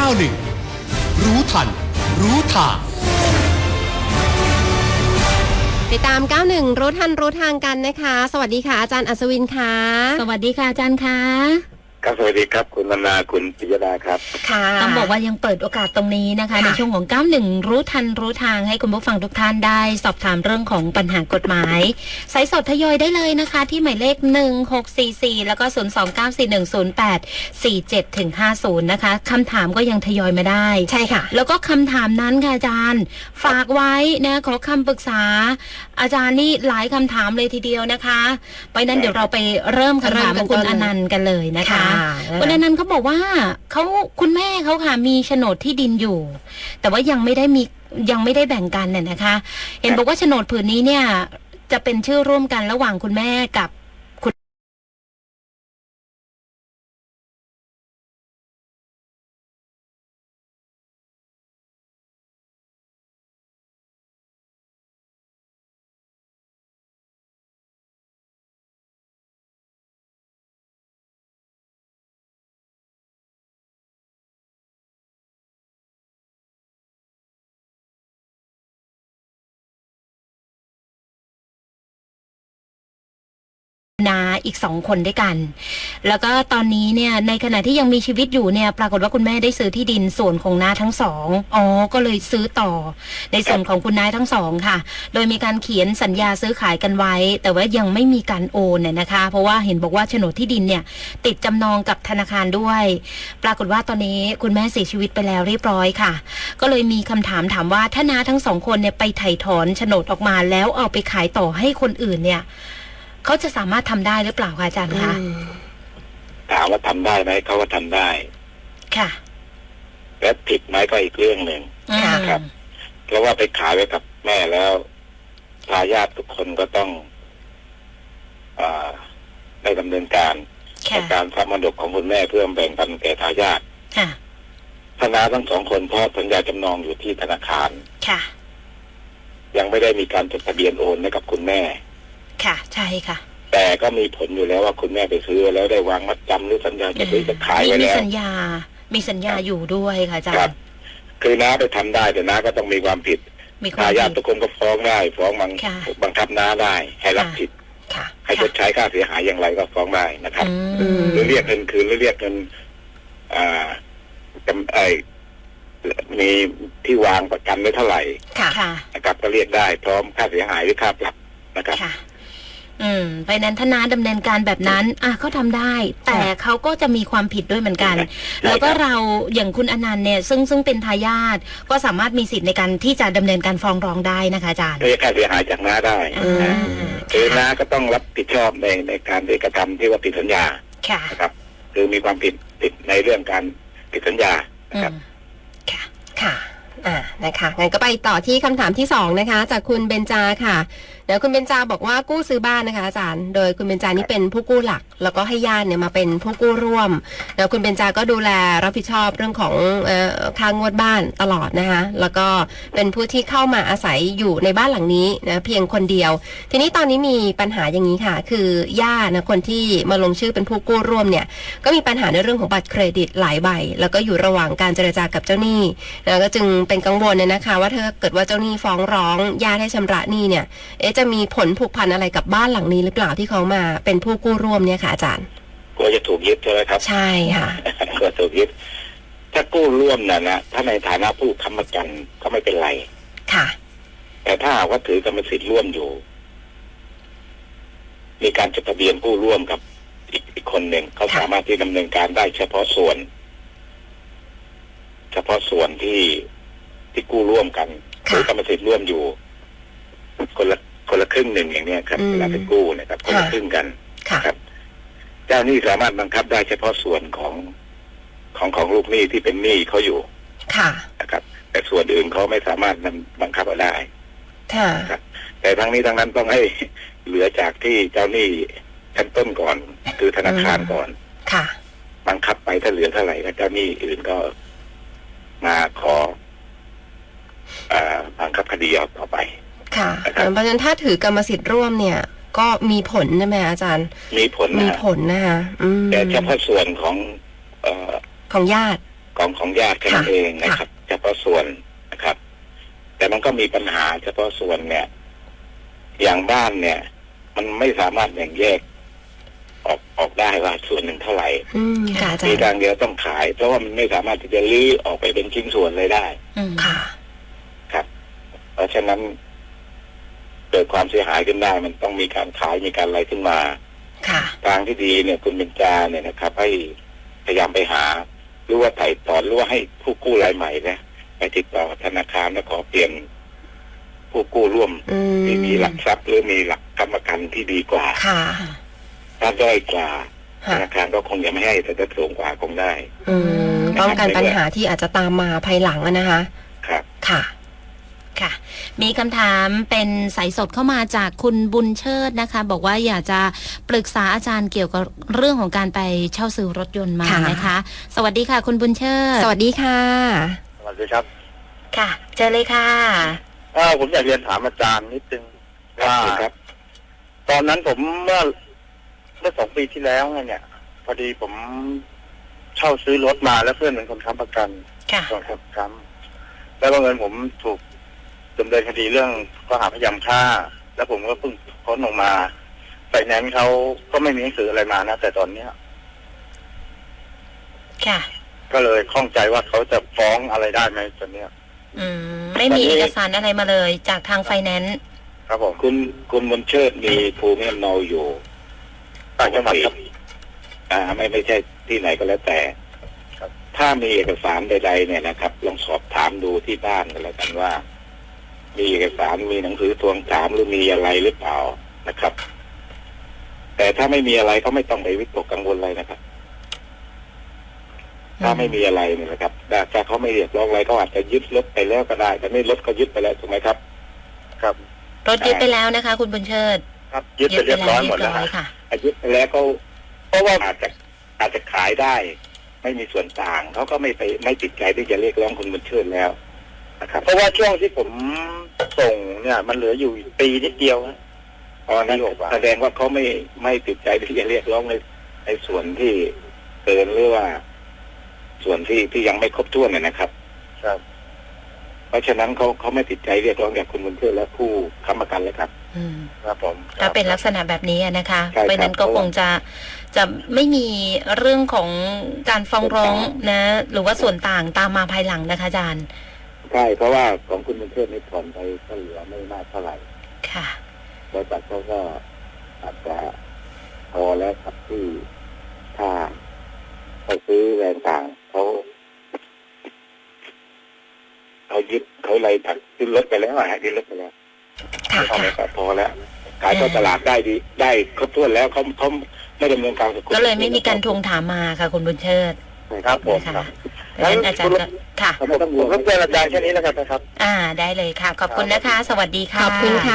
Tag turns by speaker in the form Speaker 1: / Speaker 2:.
Speaker 1: 91รู้ทันรู้ทาง
Speaker 2: ติดตาม91รู้ทันรู้ทางกันนะคะสวัสดีค่ะอาจารย์อัศวินค่ะ
Speaker 3: สวัสดีค่ะอาจารย์ค่ะ
Speaker 4: ครับสวัสดีครับคุณมนาคุณปิยดาครับ
Speaker 3: ค่ะต้องบอกว่ายังเปิดโอกาสตรงนี้นะคะในช่วงของ91รู้ทันรู้ทางให้คุณผู้ฟังทุกท่านได้สอบถามเรื่องของปัญหากฎหมายสายสดทยอยได้เลยนะคะที่หมายเลข1644แล้วก็029410847ถึง50นะคะคำถามก็ยังทยอยมาได้
Speaker 2: ใช่ค่ะ
Speaker 3: แล้วก็คำถามนั้นค่ะอาจารย์ฝากไว้นะขอคำปรึกษาอาจารย์นี่หลายคำถามเลยทีเดียวนะคะไปนั้นเดี๋ยวเราไปเริ่มคำถามของคุณอนันต์กันเลยนะคะวันนั้นเขาบอกว่าคุณแม่เขาค่ะมีโฉนดที่ดินอยู่แต่ว่ายังไม่ได้แบ่งกันเนี่ยนะคะเห็นบอกว่าโฉนดผืนนี้เนี่ยจะเป็นชื่อร่วมกันระหว่างคุณแม่กับนาอีก2คนด้วยกันแล้วก็ตอนนี้เนี่ยในขณะที่ยังมีชีวิตอยู่เนี่ยปรากฏว่าคุณแม่ได้ซื้อที่ดินส่วนของน้าทั้งสองก็เลยซื้อต่อในส่วนของคุณน้าทั้งสองค่ะโดยมีการเขียนสัญญาซื้อขายกันไว้แต่ว่ายังไม่มีการโอนเนี่ยนะคะเพราะว่าเห็นบอกว่าโฉนดที่ดินเนี่ยติดจำนองกับธนาคารด้วยปรากฏว่าตอนนี้คุณแม่เสียชีวิตไปแล้วเรียบร้อยค่ะก็เลยมีคำถามว่าถ้าน้าทั้งสองคนเนี่ยไปไถ่ถอนโฉนดออกมาแล้วเอาไปขายต่อให้คนอื่นเนี่ยเขาจะสามารถทำได้หรือเปล่าคะอาจารย์คะ
Speaker 4: ถามว่าทำได้ไหมเขาก็ทำได้
Speaker 3: ค่ะ
Speaker 4: และผิดไหมก็อีกเรื่องหนึ่งครับเพราะว่าไปขายไว้กับแม่แล้วทายาททุกคนก็ต้องได้ดำเนินการในการทำมรดกของคุณแม่เพื่อแบ่งปันแก่ทายาททนายทั้งสองคนเพราะสัญญาจำนองอยู่ที่ธนาคาร
Speaker 3: ค่ะ
Speaker 4: ยังไม่ได้มีการจดทะเบียนโอนให้กับคุณแม่
Speaker 3: ค่ะใช่ค่ะ
Speaker 4: แต่ก็มีผลอยู่แล้วว่าคุณแม่ไปซื้อแล้วได้วางมัดจำหรือสัญญาจะซื้อจะขายไว้แล้ว
Speaker 3: มีสัญญาอยู่ด้วยค่ะอาจารย์
Speaker 4: คือน้าไปทำได้แต่น้าก็ต้องมีความผิดทายาททุกคนก็ฟ้องได้ฟ้องบังคับน้าได้ให้รับผิดให้ชดใช้ค่าเสียหายอย่างไรก็ฟ้องได้นะครับหรือเรียกเงินคืนหรือเรียกเงินมีที่วางประกันไว้เท่าไหร่นะครับก็เรียกได้พร้อมค่าเสียหายหรือค่าปรับนะครับ
Speaker 3: เพราะนั้นถ้าน้าดำเนินการแบบนั้นเขาทำได้แต่เขาก็จะมีความผิดด้วยเหมือนกันแล้วก็เราอย่างคุณอนันต์เนี่ยซึ่งเป็นทายาทก็สามารถมีสิทธิ์ในการที่จะดำเนินการฟ้องร้องได้นะคะอาจารย์
Speaker 4: เรียกค่าเสียหายจากน้าได้คือน้าก็ต้องรับผิดชอบในการกระทำที่ว่าผิดสัญญานะครับคือมีความผิดในเรื่องการผิดสัญญานะครับ
Speaker 2: ค่ะนะคะงั้นก็ไปต่อที่คำถามที่2นะคะจากคุณเบญจาค่ะเดี๋ยวคุณเบญจาบอกว่ากู้ซื้อบ้านนะคะอาจารย์โดยคุณเบญจานี่เป็นผู้กู้หลักแล้วก็ให้ญาติเนี่ยมาเป็นผู้กู้ร่วมแล้วคุณเบญจาก็ดูแลรับผิดชอบเรื่องของค่างวดบ้านตลอดนะคะแล้วก็เป็นผู้ที่เข้ามาอาศัยอยู่ในบ้านหลังนี้นะเพียงคนเดียวทีนี้ตอนนี้มีปัญหาอย่างนี้ค่ะคือญาตินะคนที่มาลงชื่อเป็นผู้กู้ร่วมเนี่ยก็มีปัญหาในเรื่องของบัตรเครดิตหลายใบแล้วก็อยู่ระหว่างการเจรจากับเจ้าหนี้แล้วก็จึงเป็นกังวลเนี่ยนะคะว่าถ้าเกิดว่าเจ้าหนี้ฟ้องร้องญาติให้ชำระหนี้เนี่ยจะมีผลผูกพันอะไรกับบ้านหลังนี้หรือเปล่าที่เขามาเป็นผู้กู้ร่วมเนี่ยค่ะอาจารย์
Speaker 4: กลัวจะถูกยึดใช่ไหมครับ
Speaker 2: ใช่ค่ะ
Speaker 4: กลัวถูกยึดถ้ากู้ร่วมนะถ้าในฐานะผู้ค้ำประกันก็ไม่เป็นไร
Speaker 2: ค่ะ
Speaker 4: แต่ถ้าว่าถือกรรมสิทธิ์ร่วมอยู่มีการจดทะเบียนกู้ร่วมกับอีกคนหนึ่งเขาสามารถที่ดำเนินการได้เฉพาะส่วนที่กู้ร่วมกันหรือกรรมสิทธิ์ร่วมอยู่คนละครึ่งหนึ่งอย่างนี้ครับเวลาไปกู้นะครับคนละครึ่งกันครับเจ้าหนี้สามารถบังคับได้เฉพาะส่วนของลูกหนี้ที่เป็นหนี้เขาอยู่นะครับแต่ส่วนอื่นเขาไม่สามารถบังคับเอาได้ครับแต่ทั้งนี้ทั้งนั้นต้องให้เหลือจากที่เจ้าหนี้ชั้นต้นก่อนคือธนาคารก่อนบังคับไปถ้าเหลือเท่าไหร่แล้วเจ้าหนี้อื่นก็มาขอบังคับคดีเอาต่อไป
Speaker 2: ค่ะเพราะฉะนั้นถ้าถือกรรมสิทธิ์ร่วมเนี่ยก็มีผลใช่ไหมอาจารย์
Speaker 4: มีผลนะคะ
Speaker 2: แต่
Speaker 4: เฉพาะส่วนของ
Speaker 2: ญาติ
Speaker 4: ของญาติแค่นั้นเองนะครับเฉพาะส่วนนะครับ แต่มันก็มีปัญหาเฉพาะส่วนเนี่ย อย่างบ้านเนี่ย มันไม่สามารถแบ่งแยกออกได้ว่าส่วนหนึ่งเท่าไหร่
Speaker 2: ค่ะอาจารย์
Speaker 4: มีทางเดียวต้องขาย เพราะว่ามันไม่สามารถที่จะลื้อออกไปเป็นชิ้นส่วนเลยได้
Speaker 2: ค่ะ
Speaker 4: ครับ เพราะฉะนั้นเกิดความเสียหายขึ้นได้มันต้องมีการขายมีการอะไรขึ้นมา
Speaker 2: ค่ะ
Speaker 4: ทางที่ดีเนี่ยคุณเบญจาเนี่ยนะครับให้พยายามไปหาหรือว่าไถ่ถอนหรือว่าให้ผู้กู้รายใหม่นะไปติดต่อธนาคารแล้วขอเปลี่ยนผู้กู้ร่วมที่มีหลักทรัพย์หรือมีหลักกรรมการที่ดีกว่า
Speaker 2: ค่ะ
Speaker 4: ถ้าด้อยกว่าธนาคารก็คงจะไม่ให้แต่ถ้าสูงกว่าคงได้
Speaker 2: ป้องกันปัญหาที่อาจจะตามมาภายหลังนะคะ
Speaker 4: ครับ
Speaker 2: ค่ะ
Speaker 3: ค่ะมีคำถามเป็นสายสดเข้ามาจากคุณบุญเชิดนะคะบอกว่าอยากจะปรึกษาอาจารย์เกี่ยวกับเรื่องของการไปเช่าซื้อรถยนต์มานะคะสวัสดีค่ะคุณบุญเชิด
Speaker 2: สวัสดีค่ะ
Speaker 5: สวัสดีครับ
Speaker 3: ค่ะเจอเลยค่ะ
Speaker 5: ผมอยากเรียนถามอาจารย์นิดนึงว่าตอนนั้นผมเมื่อ2 ปีที่แล้วเนี่ยพอดีผมเช่าซื้อรถมาแล้วเพื่อนเป็นคนค้ำประกัน
Speaker 3: ค่ะ
Speaker 5: ค้ำแล้วเงินผมถูกดำเนินคดีเรื่องข้อหาพยายามฆ่าแล้วผมก็เพิ่งพ้นออกมาไฟแนนซ์เขาก็ไม่มีหนังสืออะไรมานะแต่ตอนเนี้ย
Speaker 3: ค่ะ
Speaker 5: ก็เลยข้องใจว่าเขาจะฟ้องอะไรได้ไหมตอนเนี้ย
Speaker 3: ไม่มีเอกสารอะไรมาเลยจากทางไฟแนนซ์
Speaker 5: ครับผม
Speaker 4: คุณบุญเชิดมีภูมิลำเนาอยู่
Speaker 5: ต่างจังหวัดครับ
Speaker 4: ไม่ใช่ที่ไหนก็แล้วแต่ถ้ามีเอกสารใดๆเนี่ยนะครับลองสอบถามดูที่บ้านกันแล้วกันว่ามีเอกสารมีหนังสือทวงถามหรือมีอะไรหรือเปล่านะครับแต่ถ้าไม่มีอะไรก็ไม่ต้องไปวิตกกังวลอะไรนะครับถ้าไม่มีอะไรเนี่ยนะครับถ้าเขาไม่เรียกร้องอะไรก็อาจจะยึดรถไปแล้วก็ได้แต่ไม่รถก็ยึดไปแล้วถูกไหมครับ
Speaker 5: ครับ
Speaker 3: รถยึดไปแล้วนะคะคุณบุญเชิด
Speaker 5: ครับยึดไปเรียบร้อยหมดแล้ว
Speaker 3: ค่ะ
Speaker 4: ยึดไปแล้วก็เพราะว่าอาจจะขายได้ไม่มีส่วนต่างเขาก็ไม่ติดใจที่จะเรียกร้องคุณบุญเชิดแล้วนะครับ
Speaker 5: เพราะว่าช่วงที่ผมส่งเนี่ยมันเหลืออยู่ปีนิดเดียวนะ
Speaker 4: นั้นแสดงว่าเขาไม่ติดใจที่จะเรียกร้องในส่วนที่เกินหรือว่าส่วนที่ยังไม่ครบถ้วนนะครับ
Speaker 5: ครับ
Speaker 4: เพราะฉะนั้นเขาไม่ติดใจเรียกร้องจากคุณบุญเชิดและผู้ค้ำประกันเลยครับ
Speaker 5: ครับผม
Speaker 3: ถ้าเป็นลักษณะแบบนี้นะคะเพราะนั้นก็คงจะไม่มีเรื่องของการฟ้องร้องนะหรือว่าส่วนต่างตามมาภายหลังนะคะอาจารย์
Speaker 4: ใช่เพราะว่าของคุณบุญเชิดนี่ผ่อนไปก็เหลือไม่มากเท่าไหร่
Speaker 3: ค่ะ
Speaker 4: บริษัทเขาก็อาจจะพอแล้วครับที่ถ้าเขาซื้อแรงต่างเขายึดเขาอะไรถักขึ้นรถไปแล้วยึดรถไปแล้วพอแล้วขายเข้าตลาดได้ครบถ้วนแล้วเขาไม่ดำเนินการ
Speaker 3: ก็เลยไม่มีการทวงถามมาค่ะคุณบุญเชิด
Speaker 5: ครับผม
Speaker 3: ค่ะงั้นอาจารย์ค่ะ
Speaker 5: ผมรบกวนอาจารย์แค่นี้แล้วกันนะครับ
Speaker 3: ได้เลยค่ะขอบคุณนะคะสวัสดีค่ะ
Speaker 2: ขอบคุณค่ะ